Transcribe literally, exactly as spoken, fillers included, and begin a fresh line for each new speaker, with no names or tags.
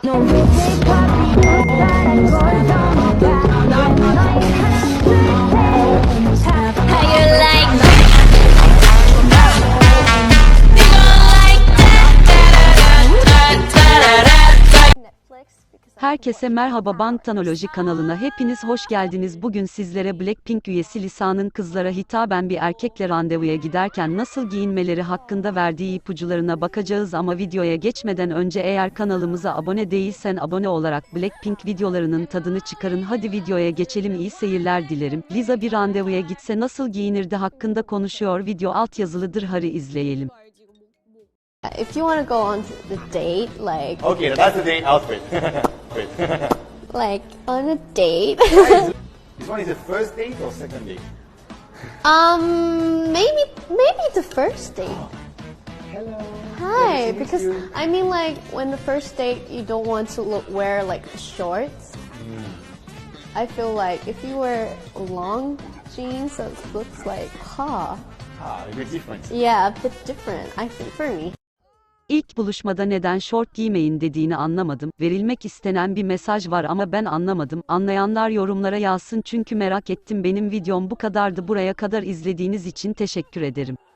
Herkese merhaba, Bangtanoloji kanalına hepiniz hoş geldiniz. Bugün sizlere Blackpink üyesi Lisa'nın kızlara hitaben bir erkekle randevuya giderken nasıl giyinmeleri hakkında verdiği ipuçlarına bakacağız ama videoya geçmeden önce eğer kanalımıza abone değilsen abone olarak Blackpink videolarının tadını çıkarın. Hadi videoya geçelim, iyi seyirler dilerim. Lisa bir randevuya gitse nasıl giyinirdi hakkında konuşuyor. Video altyazılıdır, hadi izleyelim.
If you want to go on the date, like...
Okay, that's the date outfit. Wait.
Like, on a date?
This one is the first date or second date?
um, maybe, maybe the first date.
Hello.
Hi,
Nice to meet
because,
you.
I mean, like, when the first date, you don't want to look, wear, like, shorts.
Mm.
I feel like if you wear long jeans, it looks like, huh.
Ah, a bit different.
Yeah, a bit different, I think, for me.
İlk buluşmada neden şort giymeyin dediğini anlamadım. Verilmek istenen bir mesaj var ama ben anlamadım. Anlayanlar yorumlara yazsın çünkü merak ettim. Benim videom bu kadardı. Buraya kadar izlediğiniz için teşekkür ederim.